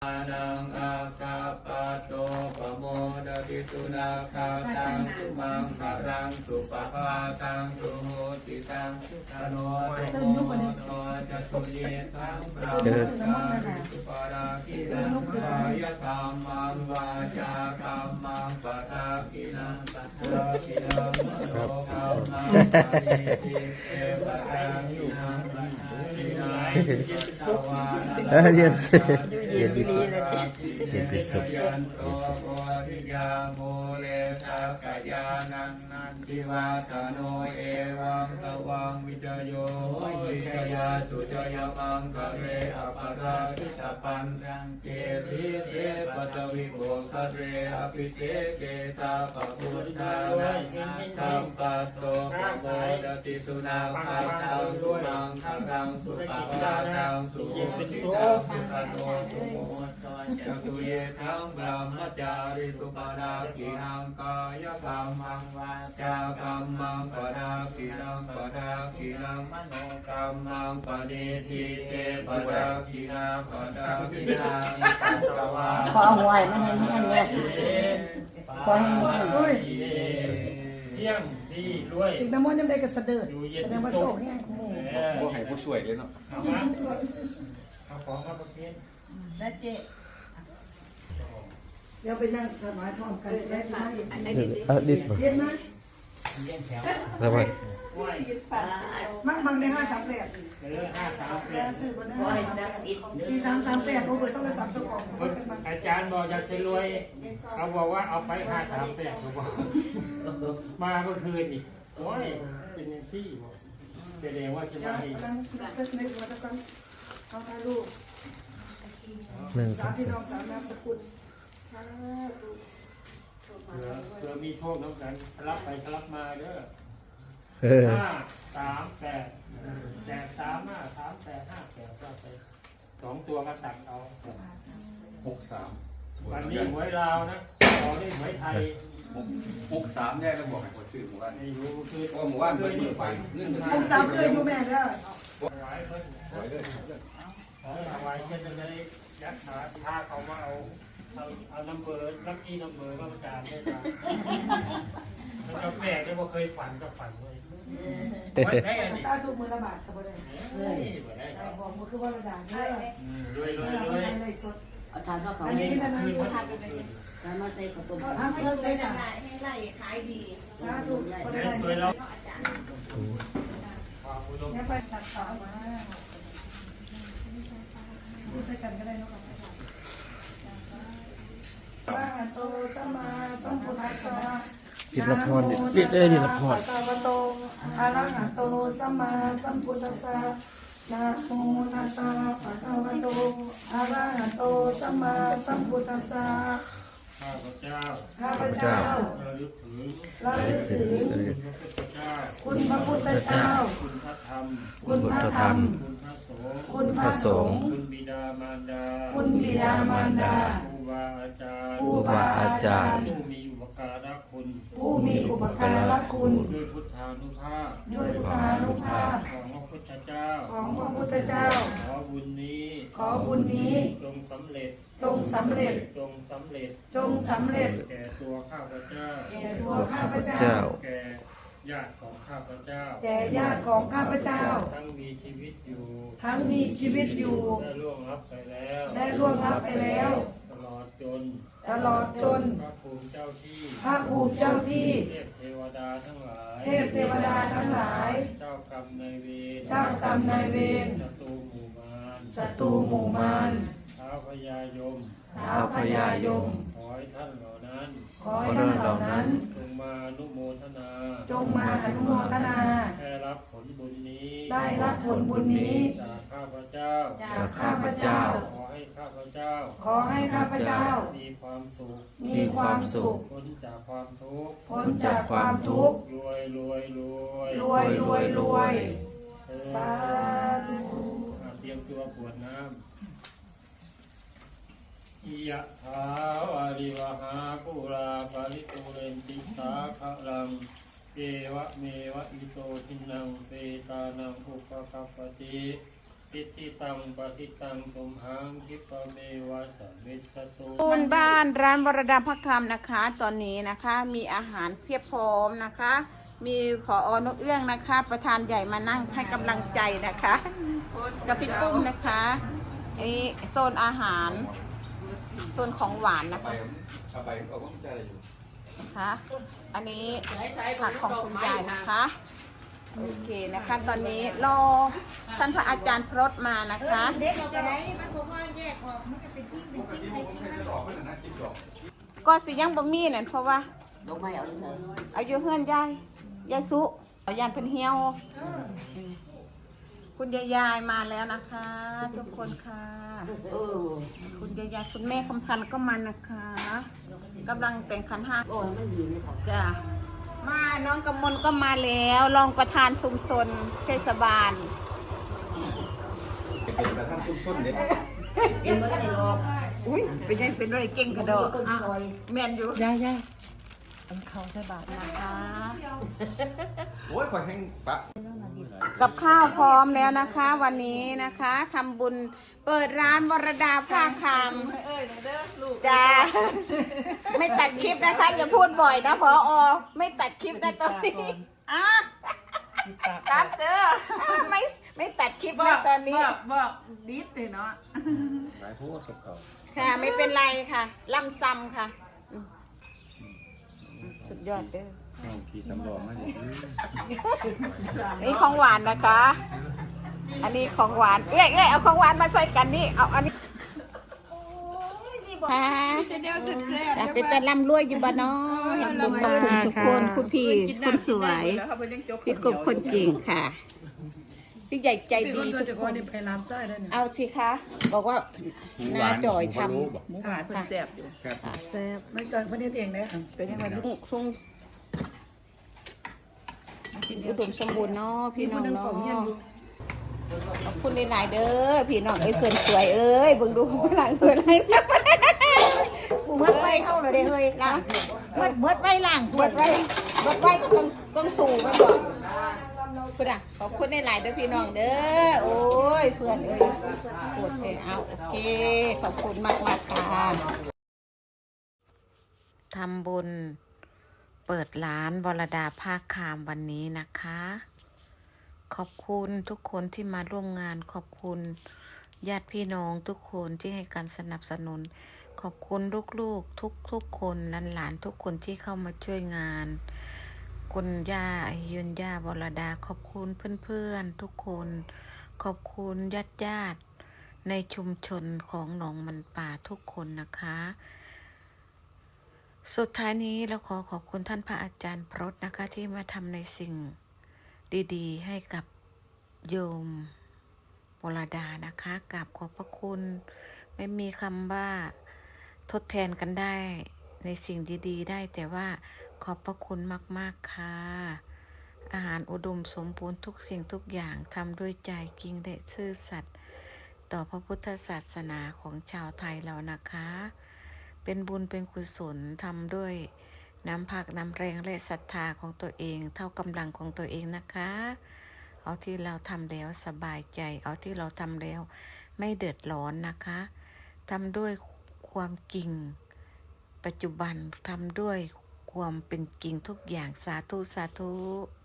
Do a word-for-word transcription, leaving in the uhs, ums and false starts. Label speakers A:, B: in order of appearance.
A: นังอาคาปะโตปโมดติสุนาคาตังสุมังคารังสุปะภาตังสุโหติตังสโนโตโมโตจะสุเยทังพระมังสุปาราคินังกายกรรมังวาจากรรมังปะทาคินังสัตตะคินังมโนกรรมังปะเยติเอปะทาคินังปะทาคินังจิตตวานะ
B: เย็นเย็นพิสุทธิ์เย็นพิสุทธิ์
A: ยันโตโพธิยาโมเลทักขยานันนันทิวาตโนเอวังตวังวิจโยวิจยาสุจยมังคะเรอภราชิตปันรังเกติเตปัตวิโภคะเรอภิเสเกตาปะพุทธานังธัมปัสโตปโมดติสุนาคาตังสุมังคตังสุปะภาตังสุโหติตังสุขโตสุโมจตุเยทังบรมจาริสุปดากินังกายกรรมังวาจากรรมังปดากินังปดากินังมโนกรรมังปฏิทิเตปดากินังปดากินังปัตตวา
C: ขอหวยมันให้แน่นเลยขอให้แน่น
D: โอ้ย
E: เที่ยงดีรวย
D: อีกน้ำมันยังได้กระเสด็จ
E: อยู่เย็น
D: แสดงว่าโชคแห้งหมู่
F: พวกให้ผู้ช่วยเลยเนาะ
E: เอามาเอาของมาประเคน
C: และเจ๊
D: เดี๋ยวไปนั่งถวายพร้อมกันได้ไหม
B: เอาดิบมา
D: เย็นไหม
E: เลี้ยงแถว
B: แล้วไป
E: ไหว
D: มั่งมั่งได้ห้าสามแปด
E: เออห้าสาม
D: แล้
E: เอ็ด
D: วซื้อมาได้
C: ขอให้ศักดิ์สิทธิ์
D: สี่สามสามแปดโอ้โหต้องไปสับสกอง
E: อาจารย์บอกอยากจะรวยเขาบอกว่าเอาไปห้าสามแปดเขาบอกมาเมื่อคืนอีกโอ้ยเป็นยังซี่บอกแสดงว่าจะ
D: เดี๋ยว
E: มาอีก
D: นั่งเทคนิคมาตะกันเอาถ่ายรูป
B: หนึ่งส
D: สา
B: อ
D: ม
B: ง
D: พี่
B: สา
D: น้อ
B: ม
D: งสามนามสกุลสาธุ
E: เผื่อเผื่อมีโชคน้ำกันทะลักไปทะลักมาเด้อ
B: เออ
E: ห้าสามแปดแปดสามห้าสามแปดห้าแปดก็ไปสองตัวก็ตัดเอา
F: หกสาม
E: วันนี้หวยลาวนะต่อได้หวยไทย
F: หกหกสามแยกแล้วบอกให้คนชื่อหมู่บ้าน
E: ไม่รู้คือ
F: เพราะหมู่บ้านเป็นเปิดไฟเงื่อน
D: หกสามเคยอยู่แม่เด้อ
E: ถวายเพิ่น
F: ไว้เลย
E: ขอถวายเพิ่นจะได้ยัดหาถ้าเขามาเอาเอาเอาน้ำเบอร์น้ำอีน้ำเบอร์ก็ประจานได้จ้ะมันจะแปลกได้ว่าเคยฝันก็ฝันเลยวัดแท้นี่
D: สาธุมือละบาทก็บ่ได้
E: เฮ้ยบ่ได้ครับ
D: บอกมือคือว่าระดับเด้อ
E: อืมรวยรวยร
D: เอา
E: วย
D: ไปสด
C: เอาทานข้าวเขา
D: อันนี้นั่น
E: คืน
D: นะ
E: วันคืน
C: แล้วมาใส่ข้าวต้ม
D: ทำเพิ่มได้จ้ะ
G: ให้ไล่ขายดี
D: สาธุบ่ได้
E: สวยเรา
G: เพราะอาจารย์
E: ความอุดม
D: เนี่ยไปตัดขามาพูดใส่กันก็ได้เนาะอะระหะโตสัมมาสัมพุทธัสสะ
B: ดิบละพรดิบเอ้ยดิบละพร
D: นะโมตัสสะภะคะวะโตอะระหะโตสัมมาสัมพุทธัสสะนะโมตัสสะภะคะวะโตอะระหะโตสัมมาสัมพุทธัสสะ
E: ข้าพเจ้า
D: ข้าพเจ้า
E: ระลึกถึง
D: ระลึกถึง
E: คุณพระพุทธเจ้า
D: คุณพระพุทธเจ้า
E: คุณพระธรรม
D: คุณพระธรรม
E: คุณพระสงฆ์
D: คุณพระสงฆ์
E: คุณบิดามารดา
D: คุณบิดามารดา
E: ครูบาอาจารย์
D: ครูบาอาจารย์
E: ผู้มีอุปการะคุณ
D: ผู้มีอุปการะคุณ
E: ด้วยพุทธานุภาพ
D: ด้วยพุทธานุภาพ
E: ของพระพุทธเจ้า
D: ของพระพุทธเจ้า
E: ขอบุญนี้
D: ขอบุญนี้
E: จงสำเร็จ
D: จงสำเร็จ
E: จงสำเร็จ
D: จงสำเร็จ
E: แก่ตัวข้าพเจ้า
D: แก่ตัวข้าพเจ้า
B: เจ้า
E: แก่ญาติของข้าพเจ้า
D: แก่ญาติของข้าพเจ้า
E: ทั้งมีชีวิตอยู่
D: ทั้งมีชีวิตอยู่
E: ได้ล่วงลับไปแล้ว
D: ได้ล่วงลับไปแล้ว
E: ตลอดจน
D: ตลอดจน
E: พระภูมิเจ้าที่
D: พระภูมิเจ้าที่
E: เทพเทวดาทั้งหลาย
D: เทพเทวดาทั้งหลาย
E: เจ้ากรรมนายเวร
D: เจ้ากรรมนายเวร
E: ศัตรูหมู่มาร
D: ศัตรูหมู่มาร
E: ท้าวพญายม
D: ท้าวพญายม
E: ขอให้ท่านเหล่านั้น
D: ขอให้ท่านเหล่านั้น
E: จงมาอนุโมทนา
D: จงมาอนุโมทนา
E: ได้รับผลบุญนี้
D: ได้รับผลบุญนี้
E: จากข้าพเจ้า
D: จากข้าพเจ้า
E: ขอให้ข้าพเจ้า
D: ขอให้ข้าพเจ้า
E: มีความสุข
D: มีความสุข
E: พ้นจากความทุกข์
D: พ้นจากความทุกข์
E: รวยรวยรวย
D: รวยรวยรวย
E: เออ
D: สาธุ
E: อ่ะเตรียมตัวกรวดน้ำยะถาวาริวหาปุราปาริปุเรนติสาขะลังเอวะเมวะอิโตทินังเปตานังอุปกัปปติปิติตังปฏิตังตุมหังคิปะเมวะสมิสตุ
C: ปูนบ้านร้านวรดาพักคำนะคะ ตอนนี้นะคะมีอาหารเพียบพร้อมนะคะ มีผออนกเอื้องนะคะ ประธานใหญ่มานั่งให้กำลังใจนะคะกับพี่ปุ้มนะคะนี่โซนอาหารโซนของหวานนะ
F: ไป
C: คะ
F: เอาไปเอาก็ใจอยู่
C: นะคะอันนี้ผักของคุณยายนะคะโอเคนะคะ ตอนนี้รอท่านพระอาจารย์พรตมานะคะ
G: เด็กเราไปไหนมันบอกว่าแยกออกมันจะเป็นทิ้งเป็นทิ้งไปทิ้งมัน
F: ออกไม่ได้นะคิดออก
C: ก็สิยังบ่มีนั่นเพราะว่า
G: ลงไม่เอาเลย
C: อายุเฮือนยายยายสุเอายานเพิ่นเหี่ยวคุณยายยายมาแล้วนะคะ ทุกคนค่ะ
G: เออ
C: คุณยายยายคุณแม่คำพันธ์ก็มานะคะกำลังแต่งขันห้า
G: โอ้ยมันดีเลยค่ะ
C: จ้ะมาน้องกำมลก็มาแล้วรองประธานชุมชนเทศบาล
F: เป็นประธานชุมชนเนี่ย
G: เอ็มไม่ได้หรอก
C: อุ้ยเป็นยังเป็นอะไรเก่งกระโดด
G: ต้นซอย
C: แม่นอยู่
D: ยายยายอันเขาใส่บาท
C: นะคะ
F: โอ้ยคอยแห้งปะ
C: กับข้าวพร้อมแล้วนะคะ วันนี้นะคะทำบุญเปิดร้านวรดาผ้าคำจ้าไม่ตัดคลิปนะคะอย่าพูดบ่อยนะพออไม่ตัดคลิปนะตอนนี้อ่ะตัดเด้อไม่ไม่ตัดคลิปนะตอนนี้
D: บอกบอกดิสเลยเนาะ
F: หลายพูดกับเขา
C: ค่ะไม่เป็นไรค่ะล่ำซ้ำค่ะอืมสุดยอดเด้อ
F: เอาขี่สำรองมาดิ
C: นี่ของหวานนะคะ อันนี้ของหวานเอ้ยเอ้ยเอาของหวานมาใส่กันนี่เอาอันนี้ค่ะแต่เป็นแต่ร่ำรวยอยู่บ้านเนาะขอบคุณขอบคุณทุกคนคุณพี่คนสวยพี่กบคนเก่งค่ะพี่ใหญ่ใจดีทุกคน
D: ไปร้านไส้ได้เนี่ย
C: เอาสิคะบอกว่าน้าจ่อยทำ
D: หมูหวานเพิ่นแซ่บอยู่แซ่บไม่เกินเพิ่นเฮ็ดเองเด้อ
C: เป็นยังไงลูกคงอุดมสมบูรณ์เนาะพี่น้องเนาะขอบคุณหลายๆเด้อพี่น้องเอ้ยเพื่อนสวยเอ้ยเบิ่งดูหลังเพื่อนอะไร
G: กูเมื่อไว้เข้าเลยเด้เฮ้ยล่างเมื่อเมื่อไว้ล่าง
C: เบิดไว้เบิดไว้ก็ต้องต้องสูงมันบอกคุณอ่ะขอบคุณหลายๆเด้อพี่น้องเด้อโอ้ยเพื่อนเอ้ยโอเคเอาโอเคขอบคุณมากๆค่ะทำบุญเปิดร้านวรดาภาคคามวันนี้นะคะ ขอบคุณทุกคนที่มาร่วมงานขอบคุณญาติพี่น้องทุกคนที่ให้การสนับสนุนขอบคุณลูกๆทุกๆคนหลานๆทุกคนที่เข้ามาช่วยงานคุณย่ายุนย่าวรดาขอบคุณเพื่อนๆทุกคนขอบคุณญาติญาติในชุมชนของหนองมันป่าทุกคนนะคะสุดท้ายนี้เราขอขอบคุณท่านพระอาจารย์พรตนะคะที่มาทำในสิ่งดีๆให้กับโยมวรดานะคะกราบขอบพระคุณไม่มีคำว่าทดแทนกันได้ในสิ่งดีๆได้แต่ว่าขอบพระคุณมากๆค่ะอาหารอุดมสมบูรณ์ทุกสิ่งทุกอย่างทำด้วยใจจริงและซื่อสัตย์ต่อพระพุทธศาสนาของชาวไทยเรานะคะเป็นบุญเป็นกุศลทำด้วยน้ำพักน้ำแรงและศรัทธาของตัวเองเท่ากำลังของตัวเองนะคะเอาที่เราทำแล้วสบายใจเอาที่เราทำแล้วไม่เดือดร้อนนะคะทำด้วยความจริงปัจจุบันทำด้วยความเป็นจริงทุกอย่างสาธุสาธุ